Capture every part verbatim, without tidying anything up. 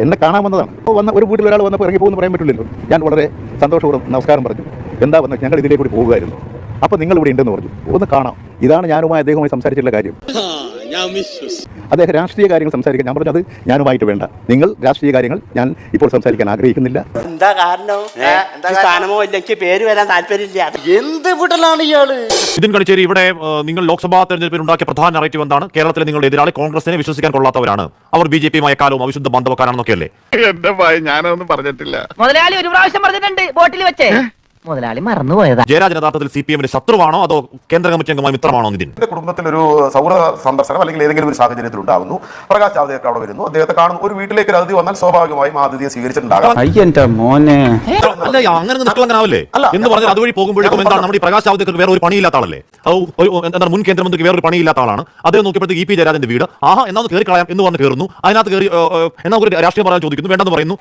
എന്നെ കാണാൻ വന്നതാണ്. അപ്പോൾ വന്ന ഒരു വീട്ടിൽ ഒരാൾ വന്നപ്പോൾ ഇറങ്ങി പോകുമെന്ന് പറയാൻ പറ്റില്ലല്ലോ. ഞാൻ വളരെ സന്തോഷപൂർവ്വം നമസ്കാരം പറഞ്ഞു. എന്താ വന്നത്? ഞങ്ങൾ ഇതിലേക്ക് കൂടി പോകുമായിരുന്നു. അപ്പോൾ നിങ്ങൾ ഇവിടെ ഉണ്ടെന്ന് പറഞ്ഞു. ഒന്ന് കാണാം. ഇതാണ് ഞാനുമായി അദ്ദേഹവുമായി സംസാരിച്ചിട്ടുള്ള കാര്യം. അദ്ദേഹം രാഷ്ട്രീയ കാര്യങ്ങൾ സംസാരിക്കാൻ ഞാൻ പറഞ്ഞു അത് ഞാനുമായിട്ട് വേണ്ട. നിങ്ങൾ രാഷ്ട്രീയ കാര്യങ്ങൾ ഞാൻ ഇപ്പോൾ സംസാരിക്കാൻ ആഗ്രഹിക്കുന്നില്ല. എന്താ കാരണം? സ്ഥാനമോ ഇല്ലെങ്കിൽ പേര് വരാൻ താല്പര്യമില്ല. എന്ത് വിടലാണ് ഇയാള്? നിതിൻ ഗഡ്കരി, ഇവിടെ നിങ്ങൾ ലോക്സഭാ തെരഞ്ഞെടുപ്പിൽ ഉണ്ടാക്കിയ പ്രധാന നറേറ്റീവ് എന്താണ്? കേരളത്തിലെ നിങ്ങളുടെ എതിരാളി കോൺഗ്രസിനെ വിശ്വസിക്കാൻ കൊള്ളാത്തവരാണ്, അവർ ബി ജെ പിയുമായ കാലവും അവിശുദ്ധ ബന്ധവക്കാരാണെന്നൊക്കെയല്ലേ? എന്റെ ഭയ ഞാനൊന്നും പറഞ്ഞിട്ടില്ല. മുതലാളി ഒരു പ്രാവശ്യം പറഞ്ഞിട്ടുണ്ട് ബോട്ടിൽ വെച്ചേ. മുതലാളി മറന്നുപോയതാ. ജയരാജൻ യഥാർത്ഥത്തിൽ സി പി എമ്മിന്റെ ശത്രുവാണോ അതോ കേന്ദ്ര കമ്മിറ്റി അംഗമായ മിത്രമാണോ നിതിൻ? കുടുംബത്തിൽ ഒരു സൗഹൃദ സന്ദർശനം അല്ലെങ്കിൽ ഏതെങ്കിലും ഒരു സാഹചര്യത്തിൽ ഉണ്ടാകുന്നു, പ്രകാശ് ജാവ്ദേക്കർ അവിടെ വരുന്നു, അദ്ദേഹത്തെ കാണുന്നു, ഒരു വീട്ടിലേക്ക് അതിഥി വന്നാൽ സ്വാഭാവികമായും അതിഥിയെ സ്വീകരിച്ചിട്ടുണ്ടാകാം. അങ്ങനെ നിഷ്കളങ്കനാവല്ലേ എന്ന് പറഞ്ഞാൽ അതുവഴി പോകുമ്പോഴേക്കും എന്താണ് നമ്മുടെ പ്രകാശ് ജാവ്ദേക്കർക്ക് വേറെ ഒരു പണിയില്ലാത്ത ആളല്ലേ? എന്താണ് മുൻ കേന്ദ്രമന്ത്രിക്ക് വേറൊരു പണിയില്ലാത്ത ആളാണ്. അദ്ദേഹം നോക്കിയപ്പോഴത്തേക്ക് ഇ പി ജയരാജന്റെ വീട്, ആഹാ എന്നാ കയറി കളയാം എന്ന് പറഞ്ഞ് കയറുന്നു. അതിനകത്ത് കയറി എന്നാ ഒരു രാഷ്ട്രീയം പറയാൻ ചോദിക്കുന്നു, വേണ്ടെന്ന് പറയുന്നു.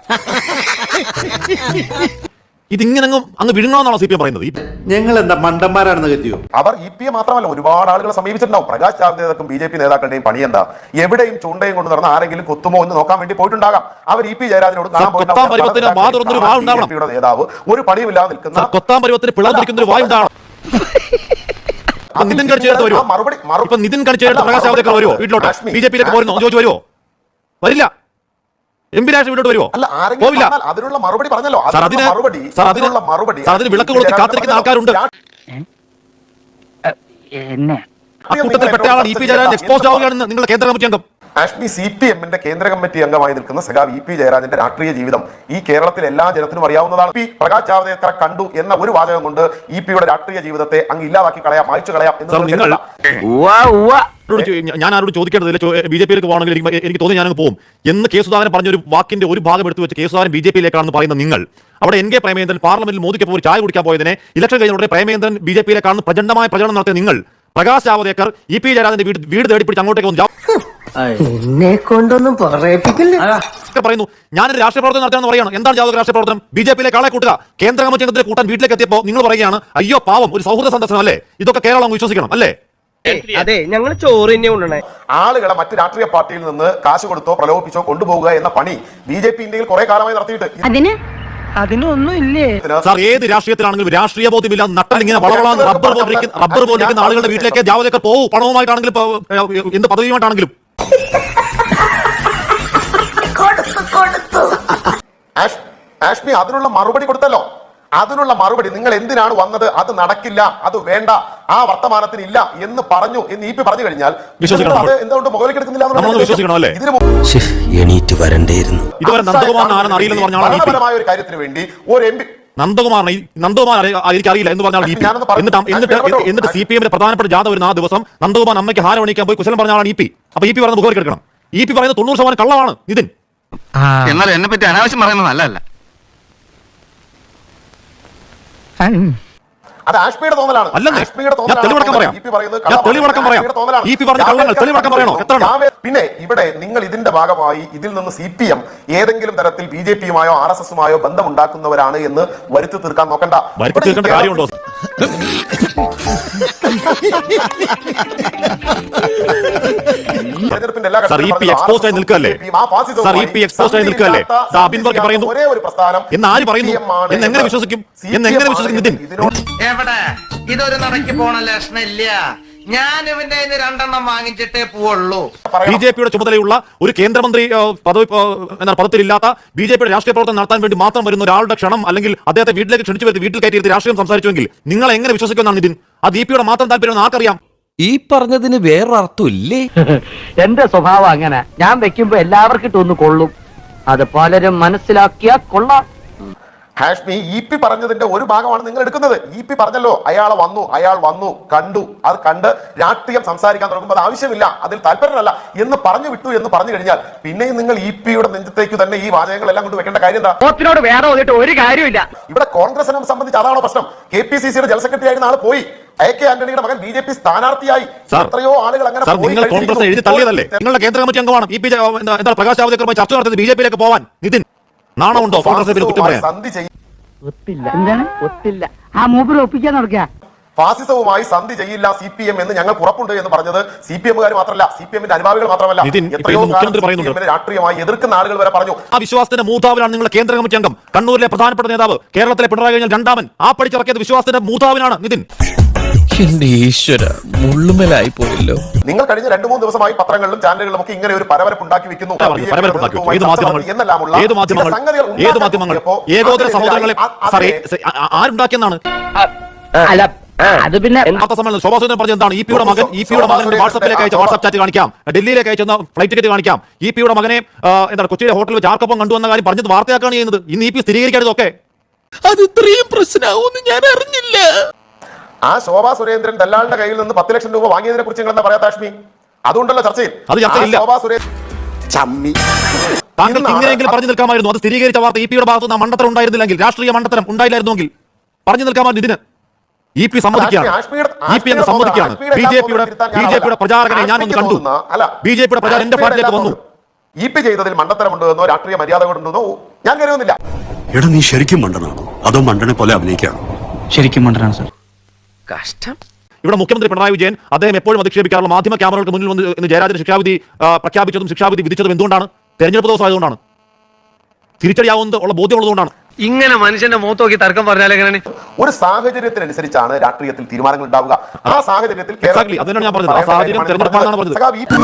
ഇതിങ്ങനെ അങ്ങ് വിഴുങ്ങണമെന്നാണോ സി പി എം പറയുന്നത്? ഞങ്ങൾ എന്താ മണ്ടന്മാരാണെന്ന് കരുതിയോ? അവർ ഇ പി എ മാത്രമല്ല ഒരുപാട് ആളുകളെ സമീപിച്ചിട്ടുണ്ടാവും. പ്രകാശ് ജാവ്ദേക്കറും ബി ജെ പി നേതാക്കളുടെയും പണി എന്താ? എവിടെയും ചൂണ്ടയും കൊണ്ട് നടന്ന ആരെങ്കിലും കൊത്തുമോ എന്ന് നോക്കാൻ വേണ്ടി പോയിട്ടുണ്ടാകാം. അവർ ഇ പി ജയരാജനോട് നേതാവ് ഒരു പണിയുമില്ലാതെ നിൽക്കുന്ന കൊത്താൻ പരുവത്തിന് പിളർന്നിരിക്കുന്ന ഒരു വായുണ്ടാവണം. നിതിൻ ഗഡ്കരി വരുമോ? ഇപ്പൊ നിതിൻ ഗഡ്കരി പ്രകാശ് ജാവ്ദേക്കർ വരുമോ വീട്ടിലോട്ട്? ബി ജെ പിയിലേക്ക് പോരുന്നോ ചോദിച്ചു വരുമോ? വരില്ല. എം പി രാഷ്ട്രീയ വീട്ടോട്ട് വരുമോ? പോവില്ല. അതിനുള്ള മറുപടി പറഞ്ഞല്ലോ. അതിന് വിളക്ക് കൊളുത്തി കാത്തിരിക്കുന്ന ആൾക്കാരുണ്ട്. അക്കൂട്ടത്തിൽ പെട്ട ആളാണ് ഇ പി ജയരാജൻ എക്സ്പോസ് ആവുകയാണെന്ന് നിങ്ങളുടെ കേന്ദ്ര കമ്മിറ്റി അംഗം. ആഷ്മി സി പി എമ്മിന്റെ കേന്ദ്ര കമ്മിറ്റി അംഗമായി നിൽക്കുന്ന സഖാവ് ഇ പി ജയരാജന്റെ രാഷ്ട്രീയ ജീവിതം ഈ കേരളത്തിലെ എല്ലാ ജനത്തിനും അറിയാവുന്നതാണ്. പി പ്രകാശ് ജാവ്ദേക്കറെ കണ്ടു എന്ന ഒരു വാചകം കൊണ്ട് ഇ പിയുടെ രാഷ്ട്രീയ ജീവിതത്തെ അങ്ങ് ഇല്ലാതാക്കി കളയാം, മായ്ച്ചു കളയാം എന്ന് ഞാൻ ആരോട് ചോദിക്കേണ്ടതില്ല. ബി ജെ പിയിലേക്ക് പോകണമെങ്കിൽ എനിക്ക് തോന്നി ഞാനങ്ങ് പോകും എന്ന് കെ സുധാകരൻ പറഞ്ഞ ഒരു വാക്കിന്റെ ഒരു ഭാഗം എടുത്തു വെച്ച് കെ സുധാകരൻ ബി ജെ പിയിലേക്കാണെന്ന് പറയുന്ന നിങ്ങൾ അവിടെ എൻ കെ പ്രേമേന്ദ്രൻ പാർലമെന്റിൽ മോദിക്കൊപ്പം ഒരു ചായ കുടിക്കാൻ പോയതിനെ ഇലക്ഷൻ കഴിഞ്ഞ പ്രേമേന്ദ്രൻ ബി ജെ പിയിലേക്കാണെന്ന് പ്രചണ്ഡമായ പ്രചരണം നടത്തിയ നിങ്ങൾ പ്രകാശ് ജാവ്ദേക്കർ ഇ പി ജയരാജന്റെ വീട് വീട് തേടിപ്പിടിച്ച് അങ്ങോട്ടേക്ക് വന്നു എന്നെ കൊണ്ടൊന്നും പറയുന്നു. ഞാനൊരു രാഷ്ട്രീയ പ്രവർത്തനം നടത്താമെന്ന് പറയുകയാണ്. എന്താണ് ജാവ്ദേക്കർ രാഷ്ട്രീയ പ്രവർത്തനം? ബി ജെ പിയിലേക്ക് ആളെ കൂട്ടുക. കേന്ദ്ര കമ്മിറ്റി അംഗത്തിലെ കൂട്ടാൻ വീട്ടിലേക്ക് എത്തിയപ്പോൾ നിങ്ങൾ പറയുകയാണ് അയ്യോ പാവം ഒരു സൗഹൃദ സന്ദർശനം അല്ലേ? ഇതൊക്കെ കേരളം വിശ്വസിക്കണം അല്ലേ? അതെ, ഞങ്ങൾ ചോറ് തന്നെ കൊണ്ടുവന്നേ. ആളുകളെ മറ്റു രാഷ്ട്രീയ പാർട്ടിയിൽ നിന്ന് കാശ് കൊടുത്തോ പ്രലോഭിപ്പിച്ചോ കൊണ്ടുപോകുക എന്ന പണി ബി ജെ പി ഇന്ത്യയിൽ കുറെ കാലമായി നടത്തിയിട്ട് അതിനൊന്നും ഇല്ലേ സാർ? ഏത് രാഷ്ട്രീയത്തിലാണെങ്കിലും രാഷ്ട്രീയ ബോധ്യമില്ലാതെ നട്ടലിങ്ങനെ വളവളാന്ന് റബ്ബർ പോലിരിക്കുന്ന റബ്ബർ പോലിരിക്കുന്ന ആളുകളുടെ വീട്ടിലേക്ക് ജാവ്ദേക്കർ പോകും. പണവുമായിട്ടാണെങ്കിലും എന്ത് പദവിയുമായിട്ടാണെങ്കിലും. ആഷ്മി അതിനുള്ള മറുപടി കൊടുത്തല്ലോ. അതിനുള്ള മറുപടി നിങ്ങൾ എന്തിനാണ് വന്നത്, അത് നടക്കില്ല, അത് വേണ്ട, ആ വർത്തമാനത്തിന് ഇല്ല എന്ന് പറഞ്ഞു എന്ന് ഇ പി പറഞ്ഞു കഴിഞ്ഞാൽ എന്തുകൊണ്ട് മുകളിലേക്ക് എടുക്കുന്നില്ല? ഒരു കാര്യത്തിന് വേണ്ടി ഒരു എം പി നന്ദകുമാറിനെ നന്ദകുമാർ എനിക്കറിയില്ല എന്ന് പറഞ്ഞാൽ എന്നിട്ട് എന്നിട്ട് സി പി എമ്മിന്റെ പ്രധാനപ്പെട്ട ജാഥ വരുന്ന ആ ദിവസം നന്ദകുമാർ അമ്മയ്ക്ക് ഹാരം അണിയിക്കാൻ പോയി കുശലം പറഞ്ഞാണ് ഇ പി. അപ്പൊ ഇ പി പറയുന്നത് മുഖേക്ക് എടുക്കണം. ഇ പി പറയുന്നത് തൊണ്ണൂറ് ശതമാനം കള്ളമാണ് നിതിൻ. എന്നാൽ എന്നെ പറ്റി അനാവശ്യം പറയുന്നത് നല്ലതല്ല. അത് ആഷ്മിയുടെ തോന്നലാണ്. പിന്നെ ഇവിടെ നിങ്ങൾ ഇതിന്റെ ഭാഗമായി ഇതിൽ നിന്ന് സി പി എം ഏതെങ്കിലും തരത്തിൽ ബി ജെ പിയുമായോ ആർ എസ് എസുമായോ ബന്ധമുണ്ടാക്കുന്നവരാണ് എന്ന് വരുത്തി തീർക്കാൻ നോക്കണ്ട. കാര്യമുണ്ടോ? ഒരേ ഒരു പ്രസ്ഥാനം എന്നാര് പറയുന്നു? എന്നെങ്ങനെ വിശ്വസിക്കും? എന്നെങ്ങനെ വിശ്വസിക്കും നിതിൻ? എവിടെ ഇതൊരു നടക്കി പോണ ലക്ഷണില്ല. ഞാൻ ഇവന്റെ രണ്ടെണ്ണം വാങ്ങിച്ചിട്ടേ പോവുള്ളൂ. ബി ജെ പിയുടെ ചുമതലയുള്ള ഒരു കേന്ദ്രമന്ത്രി പദവി എന്നാൽ പദത്തിലില്ലാത്ത ബി ജെ പിയുടെ രാഷ്ട്രീയ പ്രവർത്തനം നടത്താൻ വേണ്ടി മാത്രം വരുന്ന ഒരാളുടെ ക്ഷണം അല്ലെങ്കിൽ അദ്ദേഹത്തെ വീട്ടിലേക്ക് ക്ഷണിച്ചു വരുത്തി വീട്ടിൽ കയറ്റി രാഷ്ട്രീയം സംസാരിച്ചുവെങ്കിൽ നിങ്ങൾ എങ്ങനെ വിശ്വസിക്കുമെന്നാണ് നിതിൻ? അത് ബി പിയുടെ മാത്രം താല്പര്യം ആർക്കറിയാം? ഈ പറഞ്ഞതിന് വേറൊരർത്ഥമില്ലേ? എന്റെ സ്വഭാവം അങ്ങനെ. ഞാൻ വെക്കുമ്പോ എല്ലാവർക്കും ഇട്ടൊന്ന് കൊള്ളും. അത് പലരും മനസ്സിലാക്കിയാ കൊള്ളാം. ഹാഷ്മി ഇ പി പറഞ്ഞതിന്റെ ഒരു ഭാഗമാണ് നിങ്ങൾ എടുക്കുന്നത്. ഇ പി പറഞ്ഞല്ലോ അയാളെ വന്നു, അയാൾ വന്നു, കണ്ടു, അത് കണ്ട് രാഷ്ട്രീയം സംസാരിക്കാൻ തുടങ്ങുമ്പോൾ അത് ആവശ്യമില്ല, അതിൽ താല്പര്യമല്ല എന്ന് പറഞ്ഞു വിട്ടു എന്ന് പറഞ്ഞു കഴിഞ്ഞാൽ പിന്നെയും നിങ്ങൾ ഇ പിയുടെ നെഞ്ചത്തേക്ക് തന്നെ ഈ വാചകങ്ങളെല്ലാം കൊണ്ട് വെക്കേണ്ട കാര്യം എന്താ? വേറെ ഒരു കാര്യമില്ല. ഇവിടെ കോൺഗ്രസിനെ സംബന്ധിച്ച് അതാണോ പ്രശ്നം? കെ പി സി സിയുടെ ജനറൽ സെക്രട്ടറി ആയിരുന്ന ആൾ പോയി, എ കെ ആന്റണിയുടെ മകൻ ബി ജെ പി സ്ഥാനാർത്ഥിയായി. എത്രയോ ആളുകൾ അങ്ങനെ കോൺഗ്രസ് എഴുതി തള്ളിയതല്ലേ? നിങ്ങളുടെ കേന്ദ്ര കമ്മിറ്റി അംഗമാണ് ഇ പി എന്താ പ്രകാശ് ജാവ്ദേക്കറുമായി ചർച്ച നടത്തിയത് ബി ജെ പിയിലേക്ക് പോവാൻ. നിതിൻ നാണമുണ്ടോ കോൺഗ്രസിനെ കുറ്റം പറയാൻ? ഒത്തില്ല. എന്താണ് ഒത്തില്ല? ആ മൂപ്പര് ഒപ്പിക്കാൻ നടക്കുക. ഫാസിസവുമായി സന്ധി ചെയ്യില്ല സി പി എം എന്ന് ഞങ്ങൾക്ക് ഉറപ്പുണ്ട് എന്ന് പറഞ്ഞത് സി പി എമ്മുകാർ മാത്രമല്ല, സി പി എമ്മിന്റെ അനുഭാവികൾ മാത്രമല്ല, നിതിൻ, ഇപ്പോൾ എത്രയോ ഇന്ന് മുഖ്യമന്ത്രി കാലം പറയുന്നുണ്ട്. സി പി എമ്മിനെ രാഷ്ട്രീയമായി എതിർക്കുന്ന ആളുകൾ വരെ പറഞ്ഞു. ആ വിശ്വാസത്തിന്റെ മൂതാവിനാണ് നിങ്ങളുടെ കേന്ദ്ര കമ്മിറ്റി അംഗം, കണ്ണൂരിലെ പ്രധാനപ്പെട്ട നേതാവ്, കേരളത്തിലെ പിണറായി കഴിഞ്ഞാൽ രണ്ടാമൻ. ആ പഠിച്ചിറക്കിയത് വിശ്വാസത്തിന്റെ മൂതാവിനാണ് നിതിൻ. എന്റെ ഈശ്വര മുള്ളുമലായി പോയല്ലോ. നിങ്ങൾ കഴിഞ്ഞ രണ്ടു മൂന്ന് ദിവസമായി പത്രങ്ങളിലും ചാനലുകളിലും ഒക്കെ ഇങ്ങനെ ഒരു പരവരപ്പ് ഉണ്ടാക്കി വെക്കുന്നു. പരവരപ്പുണ്ടാക്കി വെക്കും. ഏത് മാധ്യമങ്ങൾ ഏത് മാധ്യമങ്ങൾ ഏത് മാധ്യമങ്ങൾ ഏകോദര സഹോദരങ്ങളെ സാറേ ആരുണ്ടാക്കിയെന്നാണ്? അല്ല അത് പിന്നെ വാർത്താ സമ്മേളനം ശോഭാ സുരേന്ദ്രൻ പറഞ്ഞത് എന്താണ്? ഇ പിയുടെ മകൻ ഇ പിയുടെ മകൻ വാട്സാപ്പിലേക്ക് അയച്ച വാട്സാപ്പ് ചാറ്റ് കാണിക്കാം, ഡൽഹിയിലേക്ക് അയച്ചെന്ന ഫ്ലൈറ്റ് ടിക്കറ്റ് കാണിക്കാം, ഇ പിയുടെ മകനെ എന്താണ് കൊച്ചിയിലെ ഹോട്ടലിൽ വെച്ച് ആർക്കൊപ്പം കണ്ടുവന്ന കാര്യം പറഞ്ഞത് വാർത്തയാക്കാണ് ചെയ്യുന്നത്. ഇന്ന് ഇ പി സ്ഥിരീകരിക്കാനതൊക്കെ അത് ഇത്രയും പ്രശ്നമാവുമെന്ന് ഞാൻ അറിഞ്ഞില്ല. ആ ശോഭാ സുരേന്ദ്രൻ ദല്ലാളിന്റെ കയ്യിൽ നിന്ന് പത്ത് ലക്ഷം രൂപ വാങ്ങിയതിനെ കുറിച്ച് നിങ്ങൾ എന്താ പറയാ കാശ്മി? അതുകൊണ്ടല്ലോ ചർച്ചയിൽ. അത് ചർച്ചയില്ല. ശോഭാ സുരേന്ദ്രൻ താങ്കൾക്ക് ഇങ്ങനെയെങ്കിലും പറഞ്ഞു നിൽക്കാമായിരുന്നു. അത് സ്ഥിരീകരിച്ച വാർത്ത ഇ പിയുടെ ഭാഗത്ത് നിന്ന് മണ്ടത്തരം ഉണ്ടായിരുന്നില്ലെങ്കിൽ, രാഷ്ട്രീയ മണ്ടത്തരം ഉണ്ടായില്ലായിരുന്നെങ്കിൽ പറഞ്ഞു നിൽക്കാമായിരുന്നു. ഇതിന് ഇ പി സമ്മതിക്കുകയാണ്. ഇ പി എന്ന് സമ്മതിക്കുകയാണ്. ബി ജെ പിയുടെ ബി ജെ പിയുടെ പ്രചാരകനെ ഞാൻ ഒന്ന് കണ്ടു. ബി ജെ പിയുടെ പ്രചാരം എന്റെ ഫ്ലാറ്റിലേക്ക് വന്നു. ഇ പി ചെയ്തതിൽ മണ്ടത്തരമുണ്ടോ എന്നോ രാഷ്ട്രീയ മര്യാദ കൊണ്ടുണ്ടോ ഞാൻ കരുതുന്നില്ല. എടാ നീ ശരിക്കും മണ്ടനാണോ അതോ മണ്ടനെ പോലെ അഭിനയിക്കാണോ? ശരിക്കും മണ്ടനാണ് സാർ. കഷ്ടം. ഇവിടെ മുഖ്യമന്ത്രി പിണറായി വിജയൻ അദ്ദേഹം എപ്പോഴും അധിക്ഷേപിക്കാറുള്ള മാധ്യമ ക്യാമറകൾക്ക് മുന്നിൽ വന്ന് ഇന്ന് ജയരാജന് ശിക്ഷാവിധി പ്രഖ്യാപിച്ചതും ശിക്ഷാവിധി വിധിച്ചതും എന്തുകൊണ്ടാണ്? തെരഞ്ഞെടുപ്പ് ദിവസം ആയതുകൊണ്ടാണ്. തിരിച്ചടിയാവുന്നത് ഉള്ള ബോധ്യമുള്ളതുകൊണ്ടാണ്. ഇങ്ങനെ മനുഷ്യന്റെ മുഖത്ത് നോക്കി തർക്കം പറഞ്ഞാൽ എങ്ങനെ? ഒരു സാഹചര്യത്തിനനുസരിച്ചാണ് രാഷ്ട്രീയത്തിൽ തീരുമാനങ്ങൾ ഉണ്ടാവുക. ആ സാഹചര്യത്തിൽ Exactly. അതിനാണ് ഞാൻ പറഞ്ഞത്. ആ സാഹചര്യം തെരഞ്ഞെടുപ്പാണെന്നാണ് പറഞ്ഞത്.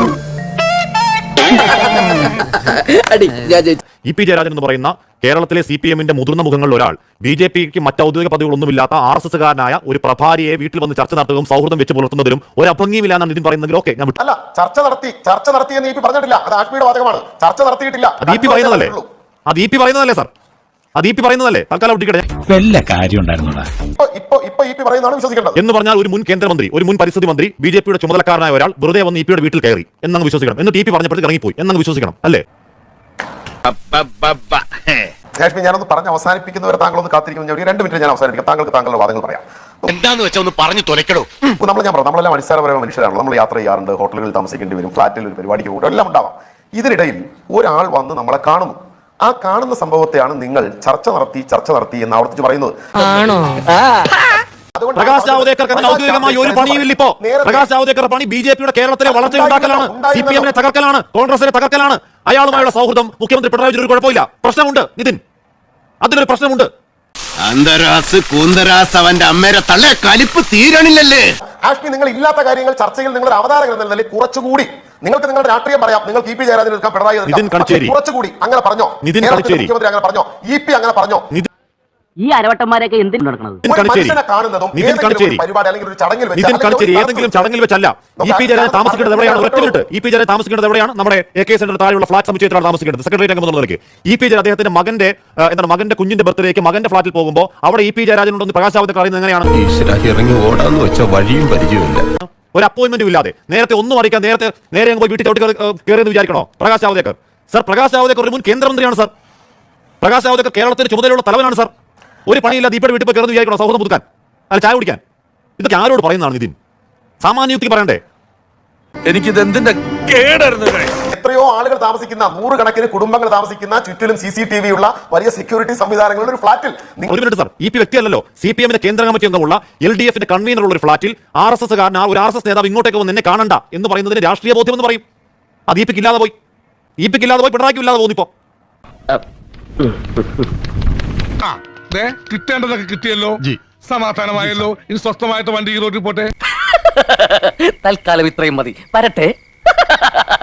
ഇ പി ജയരാജൻ എന്ന് പറയുന്ന കേരളത്തിലെ സി പി എമ്മിന്റെ മുതിർന്ന മുഖങ്ങളിൽ ഒരാൾ ബി ജെ പിക്ക് മറ്റ് ഔദ്യോഗിക പദവികളൊന്നുമില്ലാത്ത ആർ എസ് എസ് കാരനായ ഒരു പ്രഭാരിയെ വീട്ടിൽ വന്ന് ചർച്ച നടത്തുകയും സൗഹൃദം വെച്ച് പുലർത്തുന്നതിലും ഒരു അഭംഗിയില്ല എന്നാണ് നിതിൻ പറയുന്നതിൽ ഓക്കെ ഞാൻ വിട്ടു. അല്ല, ചർച്ച നടത്തി ചർച്ച നടത്തിയെന്ന് ഇ പി പറഞ്ഞിട്ടില്ല. അത് ആഷ്മിയുടെ വാദകമാണ്. ചർച്ച നടത്തിയിട്ടില്ല. അത് ഇ പി പറയുന്നതല്ലേ? അത് ഇ പി പറയുന്നതല്ലേ സാർ? അത് ഇ പി പറയുന്നതല്ലേ? തൽക്കാലം ഒട്ടിക്കട്ടെ. വല്ല കാര്യം ഉണ്ടായിരുന്നോടാ ഇപ്പൊ ഇപ്പൊ ഇ പി പറയുന്നതാണ് വിശ്വസിക്കേണ്ടത്. എന്ന് പറഞ്ഞാൽ ഒരു മുൻ കേന്ദ്രമന്ത്രി, ഒരു മുൻ പരിസ്ഥിതി മന്ത്രി, ബി ജെ പിയുടെ ചുമതലക്കാരനായ ഒരാൾ വെറുതെ വന്ന് ഇ പിയുടെ വീട്ടിൽ കയറി എന്നങ്ങ് വിശ്വസിക്കണം. എന്നിട്ട് ഇ പി പറഞ്ഞപ്പോഴത്തേക്ക് ഇറങ്ങിപ്പോയി എന്നങ്ങ് വിശ്വസിക്കണം അല്ലേ? കാശ്മീർ, ഞാനൊന്ന് പറഞ്ഞ് അവസാനിപ്പിക്കുന്നവരെ താങ്കളൊന്ന് കാത്തിരിക്കുന്ന രണ്ട് മിനിറ്റ് ഞാൻ അവസാനിപ്പിക്കാം. താങ്കൾക്ക് താങ്കളുടെ വാദങ്ങൾ പറയാം. എന്താന്ന് വെച്ചാൽ ഒന്ന് പറഞ്ഞു തുലക്കടോ. നമ്മൾ ഞാൻ പറഞ്ഞു നമ്മളെല്ലാം അടിസ്ഥാനപരമായ മനുഷ്യരാണ്. നമ്മൾ യാത്ര ചെയ്യാറുണ്ട്, ഹോട്ടലുകളിൽ താമസിക്കേണ്ടി വരും, ഫ്ലാറ്റിൽ ഒരു പരിപാടിക്ക് പോകും, എല്ലാം ഉണ്ടാവാം. ഇതിനിടയിൽ ഒരാൾ വന്ന് നമ്മളെ കാണുന്നു. ആ കാണുന്ന സംഭവത്തെയാണ് നിങ്ങൾ ചർച്ച നടത്തി ചർച്ച നടത്തി എന്ന് ആവർത്തിച്ച് പറയുന്നത്. പ്രകാശ് ജാവ്ദേക്കർക്ക് അതിന് ഔദ്യോഗികമായി ഒരു പണിയുമില്ല ഇപ്പോ. പ്രകാശ് ജാവ്ദേക്കർ പണി ബി ജെ പിയുടെ കേരളത്തിലെ വളർച്ച ഉണ്ടാക്കലാണ്, സി പി എമ്മിനെ തകർക്കലാണ്, കോൺഗ്രസിനെ തകർക്കലാണ്. അയാളുമായുള്ള സൗഹൃദം മുഖ്യമന്ത്രി പിണറായി വിജയൻ ഒരു കുഴപ്പമില്ല. പ്രശ്നമുണ്ട് നിതിൻ, അതിലൊരു പ്രശ്നമുണ്ട്. അന്തരാസ് കൂന്തരാസ് അവന്റെ അമ്മേരെ തള്ളേ കലിപ്പ് തീരണില്ലല്ലേ? ആഷ്മി, നിങ്ങൾ ഇല്ലാത്ത കാര്യങ്ങൾ ചർച്ചയിൽ നിങ്ങളുടെ അവതാരകർ എന്ന നിലയിൽ കുറച്ചുകൂടി നിങ്ങൾക്ക് നിങ്ങളുടെ രാഷ്ട്രീയം പറയാം. നിങ്ങൾ ഇ പി ജയരാജൻ എടുക്കാം, പിണറായി കുറച്ചുകൂടി അങ്ങനെ പറഞ്ഞോ? മുഖ്യമന്ത്രി അങ്ങനെ പറഞ്ഞോ? ഇ പി അങ്ങനെ പറഞ്ഞോ? ഈ അരവട്ടന്മാരൊക്കെ എന്തിനു നടക്കുന്നത്? ഏതെങ്കിലും ചടങ്ങിൽ വെച്ചല്ല ഇ പി ജയരാജൻ താമസിക്കേണ്ടത് എവിടെയാണ്? ഒറ്റ മിനിറ്റ്. ഇ പി ജയരാജൻ താമസിക്കേണ്ടത് എവിടെയാണ്? നമ്മുടെ എ കെ സെന്റർ താഴെയുള്ള ഫ്ലാറ്റ് സമുച്ചയത്തിലാണ് താമസിക്കേണ്ടത്. സെക്രട്ടറി അംഗം എന്നുള്ളവർക്ക് ഇ പി ജയരാജൻ അദ്ദേഹത്തിന്റെ മകന്റെ എന്താണ് മകന്റെ കുഞ്ഞിന്റെ ബർത്ത്ഡേക്ക് മകന്റെ ഫ്ലാറ്റിൽ പോകുമ്പോൾ അവിടെ ഇ പി ജയരാജൻ ഉണ്ടെന്ന് പ്രകാശ് ജാവ്ദേക്കർ അറിയുന്നത് എങ്ങനെയാണ്? ഇറങ്ങി ഓടാന്ന് വെച്ചാൽ വഴിയും പരിചയമില്ല. ഒരു അപ്പോയിന്റ്മെന്റും ഇല്ലാതെ നേരത്തെ ഒന്നും അറിയിക്കാൻ നേരത്തെ നേരെ പോയി വീട്ടിൽ ചവിട്ടി കയറിയെന്ന് വിചാരിക്കണോ പ്രകാശ് ജാവ്ദേക്കർ? സർ, പ്രകാശ് ജാവ്ദേക്കർ ഒരു മുൻ കേന്ദ്രമന്ത്രിയാണ് സർ. പ്രകാശ് ജാവ്ദേക്കർ കേരളത്തിന് ചുമതലയുള്ള തലവനാണ് സർ. ഒരു പണിയില്ല ദീപയുടെ വീട്ടിൽ പോയി കയറുന്ന വിചാരിക്കണോ സൗഹൃദം പുതുക്കാൻ, അല്ല ചായ കുടിക്കാൻ? ഇതൊക്കെ ആരോട് പറയുന്നതാണ് നിതിൻ? സാമാന്യയുക്തി പറയണ്ടേ? എനിക്കിത് എന്തിന്റെ കേടായിരുന്നു. എത്രയോ ആളുകൾ താമസിക്കുന്ന, നൂറുകണക്കിന് കുടുംബങ്ങൾ താമസിക്കുന്ന, ചുറ്റിലും സി സി ടി വി ഉള്ള വലിയ സെക്യൂരിറ്റി സംവിധാനങ്ങളുടെ ഒരു ഫ്ലാറ്റിൽ ഒരു മിനിറ്റ് സർ, ഇ പി വ്യക്തിയല്ലോ, സി പി എമ്മിന്റെ കേന്ദ്ര കമ്മിറ്റി അംഗമുള്ള എൽ ഡി എഫിന്റെ കൺവീനർ ഉള്ള ഒരു ഫ്ലാറ്റിൽ ആർ എസ് എസ് കാരൻ ഒരു ആർ എസ് എസ് നേതാവ് ഇങ്ങോട്ടേക്ക് വന്ന് എന്നെ കാണണ്ട എന്ന് പറയുന്നതിന് രാഷ്ട്രീയ ബോധ്യം എന്ന് പറയും. അത് ഇ പിക്ക് ഇല്ലാതെ പോയി, ഇ പിക്ക് ഇല്ലാതെ പോയി, പിണറായിക്കും ഇല്ലാതെ പോകുന്നിപ്പോ. കിട്ടേണ്ടതൊക്കെ കിട്ടിയല്ലോ, സമാധാനമായല്ലോ. ഇനി സ്വസ്ഥമായിട്ട് വണ്ടി ഈ റോഡിൽ പോട്ടെ. തൽക്കാലം ഇത്രയും മതി. വരട്ടെ.